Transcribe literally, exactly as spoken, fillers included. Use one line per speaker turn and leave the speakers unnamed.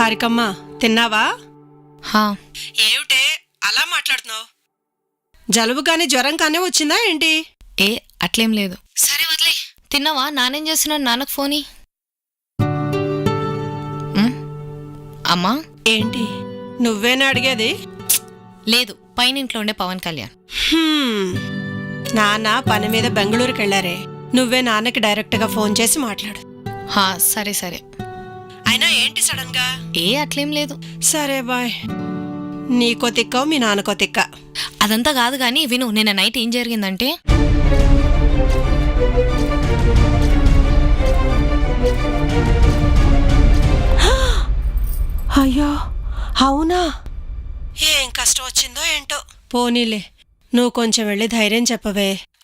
హారికమ్మ తిన్నావా?
హా
ఏమిటే అలా మాట్లాడుతున్నావు? జలుబు కానీ జ్వరం కానీ వచ్చిందా ఏంటి?
ఏ అట్లేం లేదు. సరే వదిలే. తిన్నావా? నానేం చేస్తున్నాడు? నాన్నకు ఫోని. ఉమ్, అమ్మా
ఏంటి నువ్వేనా అడిగేది?
లేదు, పైన ఇంట్లో ఉండే పవన్ కళ్యాణ్.
హ్మ్, నాన్న పని మీద బెంగళూరుకి వెళ్ళారే. నువ్వే నాన్నకి డైరెక్ట్గా ఫోన్ చేసి మాట్లాడు.
హా సరే సరే.
అయినా ఏంటి సడన్ గా?
ఏ అట్లేం లేదు.
సరే బాయ్. నీకో తిక్క మీ నాన్నకో తిక్క.
అదంతా కాదు గాని విను, నిన్న నైట్ ఏం జరిగిందంటే,
అయ్యో అవునా? ఏం కష్టం వచ్చిందో ఏంటో. పోనీలే, నువ్వు కొంచెం వెళ్ళి ధైర్యం చెప్పవే.